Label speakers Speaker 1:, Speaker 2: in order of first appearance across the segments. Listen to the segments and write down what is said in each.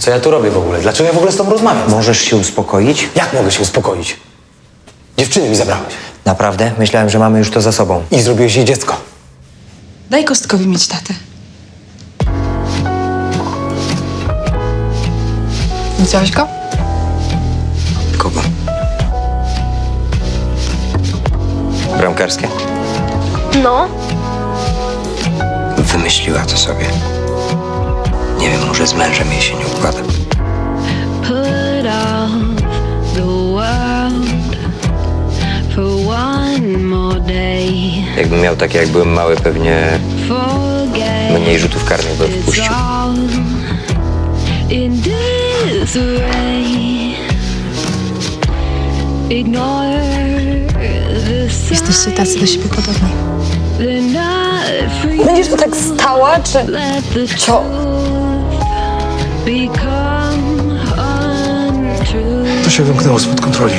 Speaker 1: Co ja tu robię w ogóle? Dlaczego ja w ogóle z tobą rozmawiam?
Speaker 2: Możesz się uspokoić?
Speaker 1: Jak mogę się uspokoić? Dziewczyny mi zabrałeś.
Speaker 2: Naprawdę? Myślałem, że mamy już to za sobą.
Speaker 1: I zrobiłeś jej dziecko.
Speaker 3: Daj Kostkowi mieć tatę. Widziałeś go?
Speaker 2: Kogo? Bramkarskie?
Speaker 4: No,
Speaker 2: Wymyśliła to sobie. Nie wiem, może z mężem jej się nie układa.
Speaker 5: Put off the world for one more day.
Speaker 2: Jakbym miał takie, jak byłem mały, pewnie
Speaker 5: Forget
Speaker 2: mniej rzutów karnych bym
Speaker 5: it's
Speaker 2: wpuścił.
Speaker 5: all in disarray. Ignore the
Speaker 3: Jesteście tacy do siebie podobni.
Speaker 5: they're not free.
Speaker 4: będziesz tu tak stała, czy...
Speaker 5: Let the
Speaker 4: Co?
Speaker 5: truth become untrue.
Speaker 6: To się wymknęło spod kontroli.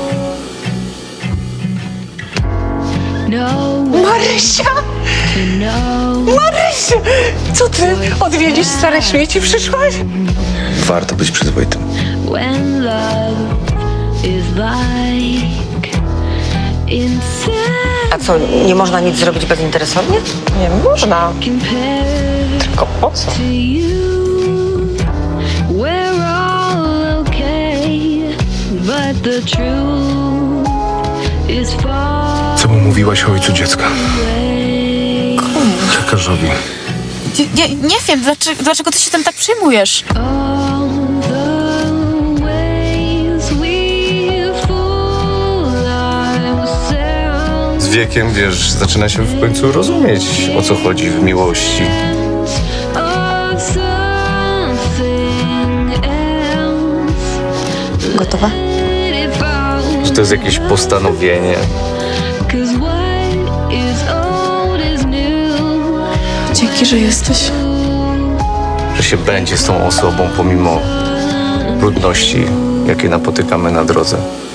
Speaker 5: No
Speaker 4: Marysia!
Speaker 5: no
Speaker 4: Marysia! Co ty? Odwiedzić stare śmieci przyszłaś?
Speaker 6: Warto być przyzwoitym.
Speaker 5: when love is like inside
Speaker 7: A co, nie można nic zrobić bezinteresownie?
Speaker 4: Nie można.
Speaker 5: compared
Speaker 4: Tylko po co?
Speaker 5: to you. We're all okay, but the truth is far
Speaker 6: Co mu mówiłaś o ojcu dziecka?
Speaker 5: away.
Speaker 6: Lekarzowi.
Speaker 3: Nie wiem, dlaczego ty się tym tak przejmujesz?
Speaker 5: All the ways we fool ourselves.
Speaker 6: Z wiekiem, wiesz, zaczyna się w końcu rozumieć, o co chodzi w miłości.
Speaker 5: Of something else.
Speaker 3: Gotowa?
Speaker 5: Let it fall.
Speaker 6: Że to jest jakieś postanowienie.
Speaker 5: 'Cause what is old is new.
Speaker 3: Dzięki, że jesteś.
Speaker 6: Że się będzie z tą osobą pomimo trudności, jakie napotykamy na drodze.